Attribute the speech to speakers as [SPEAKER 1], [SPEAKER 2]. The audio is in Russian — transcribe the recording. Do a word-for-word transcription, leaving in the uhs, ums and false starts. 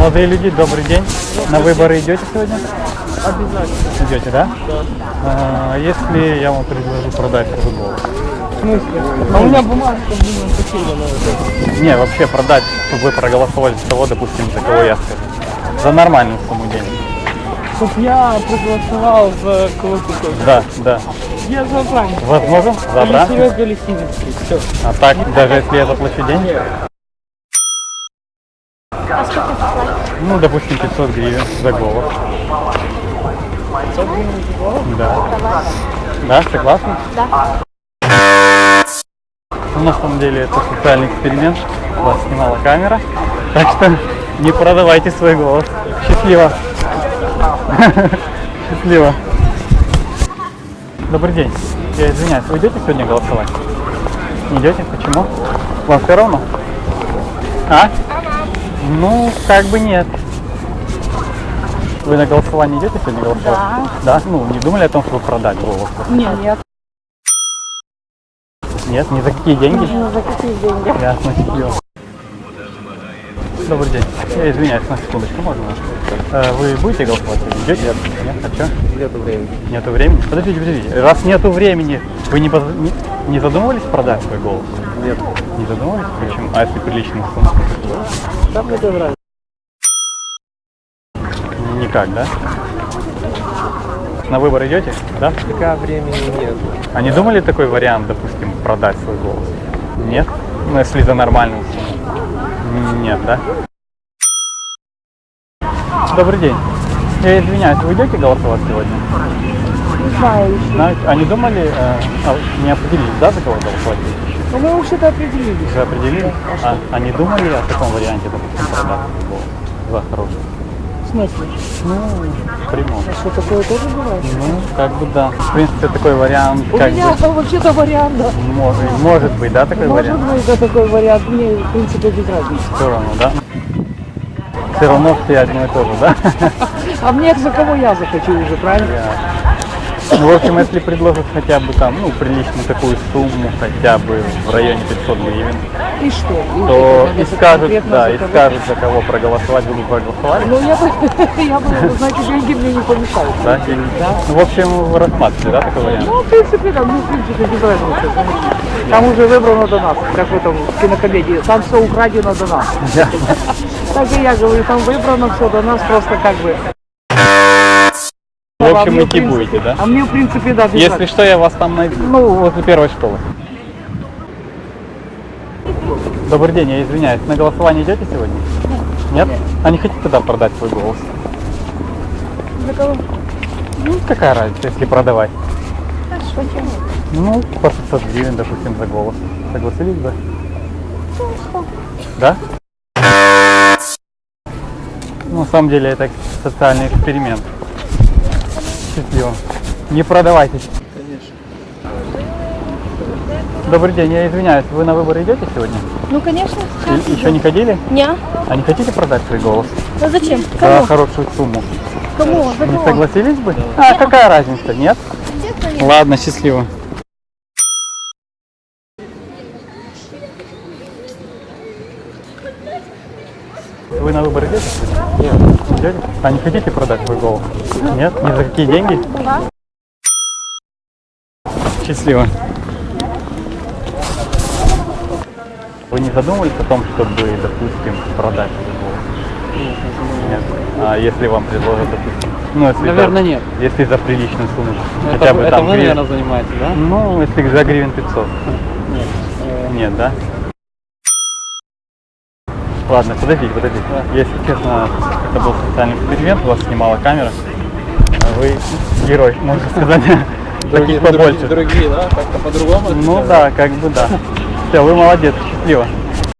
[SPEAKER 1] Молодые люди, добрый день. На выборы идете сегодня?
[SPEAKER 2] Обязательно.
[SPEAKER 1] Идете, да?
[SPEAKER 2] Да.
[SPEAKER 1] А, если я вам предложу продать свой голос?
[SPEAKER 2] В смысле? А у меня бумажка, блин, потеряна.
[SPEAKER 1] Не, вообще продать, чтобы вы проголосовали за того, допустим, за кого я скажу. За нормальную сумму денег.
[SPEAKER 2] Чтоб я проголосовал за кого-то.
[SPEAKER 1] Да, да.
[SPEAKER 2] Я за Абрам.
[SPEAKER 1] Возможно? За Абрам?
[SPEAKER 2] Серега Лисинский. Все.
[SPEAKER 1] А так, даже если я заплачу деньги?
[SPEAKER 3] А сколько заплатить?
[SPEAKER 1] Ну, допустим, пятьсот гривен за голос.
[SPEAKER 2] пятьсот гривен за голос?
[SPEAKER 1] Да.
[SPEAKER 3] Давай.
[SPEAKER 1] Да, согласны?
[SPEAKER 3] Да.
[SPEAKER 1] Ну, на самом деле это социальный эксперимент. Вас снимала камера. Так что не продавайте свой голос. Счастливо. Счастливо. Добрый день. Я извиняюсь, вы идете сегодня голосовать? Не идете? Почему? Вам все равно? А? Ну, как бы нет. Вы на голосование идете сегодня голосовать?
[SPEAKER 3] Да.
[SPEAKER 1] Да? Ну, не думали о том, чтобы продать голос?
[SPEAKER 2] Нет, нет.
[SPEAKER 1] Нет, ни за какие деньги?
[SPEAKER 3] Ну, за какие деньги?
[SPEAKER 1] Ясно, счастливо. Добрый день. Я извиняюсь, на секундочку, можно? Э, Вы будете голосовать? Идете? Нет. Нет? А что?
[SPEAKER 2] Нету времени.
[SPEAKER 1] Нету времени? Подождите, подождите. Раз нету времени, вы не, поз- не, не задумывались продать свой голос?
[SPEAKER 2] Нет.
[SPEAKER 1] Не задумывались? Почему? А если приличную сумму?
[SPEAKER 2] Там мне тоже нравится.
[SPEAKER 1] Никак, да? На выбор идете? Да?
[SPEAKER 2] Пока времени нет.
[SPEAKER 1] А не думали такой вариант, допустим, продать свой голос? Нет? Ну, если за нормальную сумму? Нет, да? Добрый день. Я извиняюсь, вы идете голосовать сегодня?
[SPEAKER 3] Не знаю еще.
[SPEAKER 1] Знаете, а не думали, э, а, не определились, да, за кого голосовать будете еще?
[SPEAKER 2] Ну, мы вообще-то определились.
[SPEAKER 1] Уже определились?
[SPEAKER 2] А
[SPEAKER 1] А, а не думали о таком варианте, допустим, продать свой голос за хороший?
[SPEAKER 2] В смысле?
[SPEAKER 1] Ну, прямом.
[SPEAKER 2] А что, такое тоже бывает?
[SPEAKER 1] Ну, как бы да. В принципе, такой вариант,
[SPEAKER 2] У
[SPEAKER 1] как
[SPEAKER 2] меня
[SPEAKER 1] бы,
[SPEAKER 2] вообще-то вариант, да.
[SPEAKER 1] может, может быть, да, такой
[SPEAKER 2] Может
[SPEAKER 1] вариант?
[SPEAKER 2] быть, да, такой вариант. Мне, в принципе, без разницы.
[SPEAKER 1] Все равно, да? Все равно все одно и то же, да?
[SPEAKER 2] А мне за кого я захочу уже, правильно?
[SPEAKER 1] Ну, в общем, если предложат хотя бы там, ну, приличную такую сумму, хотя бы в районе пятьсот гривен,
[SPEAKER 2] И что? И
[SPEAKER 1] то
[SPEAKER 2] это
[SPEAKER 1] и
[SPEAKER 2] надо
[SPEAKER 1] скажут,
[SPEAKER 2] конкретно
[SPEAKER 1] да,
[SPEAKER 2] за
[SPEAKER 1] и
[SPEAKER 2] кого?
[SPEAKER 1] скажут, за кого проголосовать, вы бы проголосовали.
[SPEAKER 2] Ну, я бы, я бы, значит, деньги мне не помешают.
[SPEAKER 1] Да? Или-
[SPEAKER 2] Да.
[SPEAKER 1] Ну, в общем, вы рассматриваете, да, такой вариант?
[SPEAKER 2] Ну, в принципе, да, ну, в принципе, без разницы. Там уже выбрано до нас, как в этом в кинокомедии. Там все украдено до нас.
[SPEAKER 1] Ясно.
[SPEAKER 2] Так и я говорю, там выбрано все до нас, просто как бы.
[SPEAKER 1] В
[SPEAKER 2] А
[SPEAKER 1] общем,
[SPEAKER 2] мне, в
[SPEAKER 1] идти
[SPEAKER 2] принципе-
[SPEAKER 1] будете, да?
[SPEAKER 2] А мне, в принципе, да, без
[SPEAKER 1] Если
[SPEAKER 2] разницы.
[SPEAKER 1] что, я вас там найду. Ну, возле первой школы. Добрый день, я извиняюсь. На голосование идете сегодня? Нет? А не хотите тогда продать свой голос?
[SPEAKER 2] За кого?
[SPEAKER 1] Ну, какая разница, если продавать?
[SPEAKER 3] Хорошо, чего?
[SPEAKER 1] Ну, по пятьсот гривен, допустим, за голос. Согласились бы? Да? Ну, на самом деле, это социальный эксперимент. Счастливо. Не продавайтесь.
[SPEAKER 2] Конечно.
[SPEAKER 1] Добрый день, я извиняюсь. Вы на выборы идете сегодня?
[SPEAKER 3] Ну, конечно.
[SPEAKER 1] И- еще не ходили?
[SPEAKER 3] Не.
[SPEAKER 1] А не хотите продать свой голос?
[SPEAKER 3] Ну зачем?
[SPEAKER 1] За
[SPEAKER 3] Кому?
[SPEAKER 1] хорошую сумму.
[SPEAKER 3] Кому? За
[SPEAKER 1] Не
[SPEAKER 3] кого?
[SPEAKER 1] согласились бы? А, какая разница, нет?
[SPEAKER 3] Естественно, нет.
[SPEAKER 1] Ладно, счастливо. Вы на выборы идете?
[SPEAKER 2] Нет.
[SPEAKER 1] Идете? А не хотите продать свой голос? Нет? Ни за какие деньги?
[SPEAKER 3] Да.
[SPEAKER 1] Счастливо. Вы не задумывались о том, чтобы, допустим, продать свой голос? Нет. А если вам предложат, допустим, ну, если
[SPEAKER 2] Наверное,
[SPEAKER 1] за,
[SPEAKER 2] нет.
[SPEAKER 1] если за приличную сумму,
[SPEAKER 2] Это,
[SPEAKER 1] хотя бы
[SPEAKER 2] это
[SPEAKER 1] там
[SPEAKER 2] вы,
[SPEAKER 1] гривен-
[SPEAKER 2] наверное, занимаетесь, да?
[SPEAKER 1] Ну, если за гривен пятьсот.
[SPEAKER 2] Нет.
[SPEAKER 1] Нет, да? Ладно, подождите, подождите. Если честно, это был социальный эксперимент, вас снимала камера. А вы герой, можно сказать. Таких побольше.
[SPEAKER 2] Другие, да? Как-то по-другому?
[SPEAKER 1] Ну да, как бы да. Все, вы молодец, счастливо.